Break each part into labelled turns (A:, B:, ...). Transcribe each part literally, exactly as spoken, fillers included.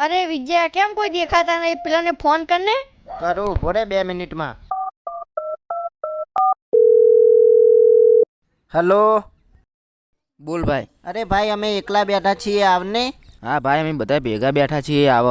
A: अरे विजय केम कोई देखाता नहीं, पेला ने फोन करने
B: करूँ बोरे बे मिनिट में। हेलो
C: बोल भाई।
B: अरे भाई अमे एकला बैठा छीए आवने।
C: हाँ भाई अमे बधा भेगा बैठा छीए आव।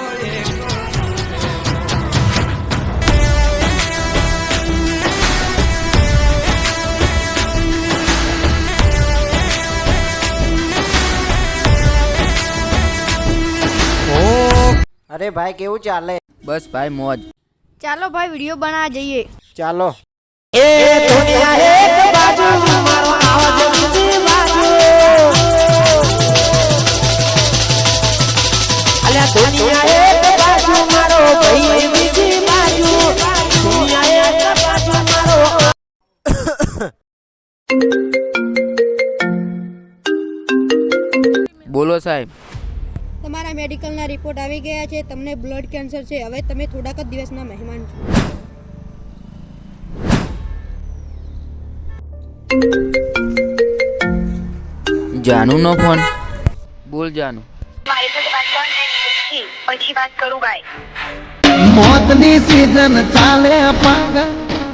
B: अरे भाई केवू चाले?
C: बस भाई मौज।
A: चलो भाई वीडियो बना जाइए।
B: चालो।
D: ए दुनिया एक बाजू मारो आवाज बीजी बाजू अल्या दुनिया एक बाजू मारो भाई बीजी बाजू दुनिया एक बाजू मारो।
C: बोलो साहेब।
E: તમારા મેડિકલના રિપોર્ટ આવી ગયા છે, તમને બ્લડ કેન્સર છે, હવે તમે થોડાક જ દિવસના મહેમાન છો।
C: जानू नो फोन। बोल जानू।
F: મારી જોડે વાત કરવાની નથી, પછી વાત કરું બાય।
D: મોતની સીઝન ચાલે પાગલ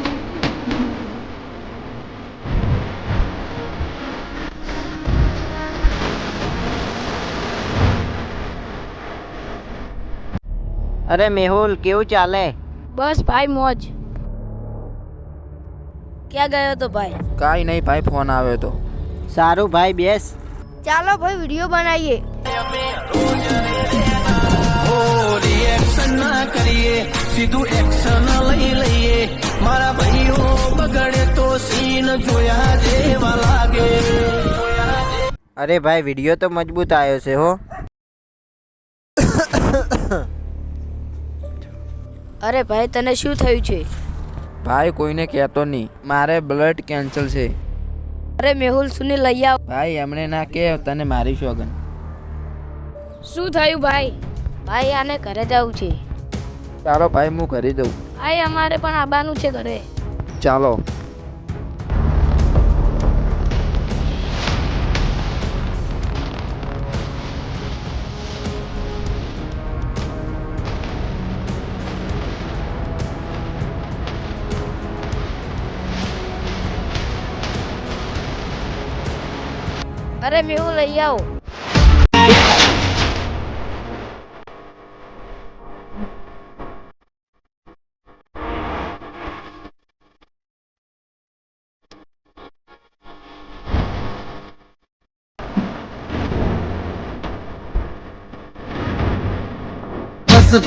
B: अरे मेहुल केवू चाले?
A: बस भाई मौज।
E: क्या गयो तो भाई?
C: काई नहीं भाई फोन आवे तो।
B: सारू भाई बेस।
A: चलो भाई वीडियो बनाइए।
D: रिएक्शन ना करिए सीधू एक्शन लई लईए मारा भाईओ बगड़े तो सीन जोया जेवा लागे।
B: अरे भाई वीडियो तो मजबूत आयो से हो।
E: અરે ભાઈ તને શું થયું છે?
C: भाई कोई ने कहतो नहीं, मारे ब्लड कैंसल से।
E: અરે મેહુલ સુને લઈ આવ।
C: भाई हमने ना के तने मारी शोगन।
A: શું થયું ભાઈ?
E: ભાઈ આને ઘરે જવું છે।
C: चालो भाई मु घरे जाऊँ।
A: ભાઈ અમારે પણ આવવાનું છે ઘરે।
C: चालो।
A: अरे मेहू लई आओ।